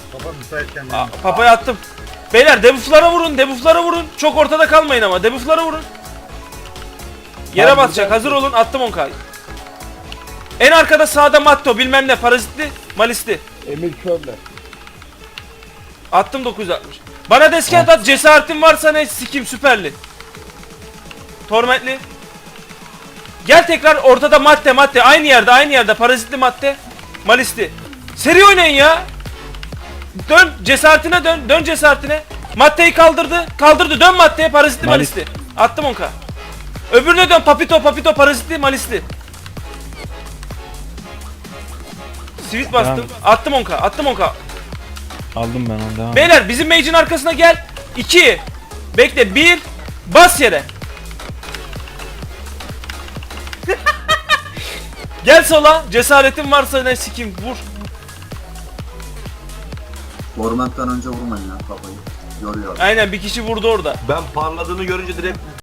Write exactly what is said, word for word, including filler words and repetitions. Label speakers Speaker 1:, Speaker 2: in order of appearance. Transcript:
Speaker 1: Papa müsaitken
Speaker 2: Aa,
Speaker 1: benim.
Speaker 2: papaya attım. Beyler debufflara vurun, debufflara vurun. Çok ortada kalmayın ama debufflara vurun. Yere
Speaker 3: Tamam,
Speaker 2: basacak.
Speaker 3: buradan-
Speaker 2: Hazır olun. Attım on K'yı. En arkada sağda Matto bilmem ne parazitli, malisli.
Speaker 3: Emir körle.
Speaker 2: Attım dokuz yüz altmış. Bana deskent at. Cesaretin varsa ne sikim süperli. Tormentli. Gel tekrar ortada madde madde. Aynı yerde aynı yerde. Parazitli madde. Malisti. Seri oynayın ya. Dön cesaretine dön. Dön cesaretine. Maddeyi kaldırdı. Kaldırdı. Dön maddeye. Parazitli
Speaker 4: Malis.
Speaker 2: malisti. Attım on K. Öbürüne dön. Papito papito parazitli malisti. Sweet bastım.
Speaker 4: Tamam.
Speaker 2: Attım on K. Attım on K.
Speaker 4: Aldım ben onu, devam.
Speaker 2: Beyler bizim mage'in arkasına gel. iki. Bekle. bir. Bas yere. Gel sola. Cesaretin varsa ne sikim vur.
Speaker 5: Ormandan önce vurmayın ya kafayı. Yoruyor.
Speaker 2: Aynen bir kişi vurdu orada.
Speaker 6: Ben parladığını görünce direkt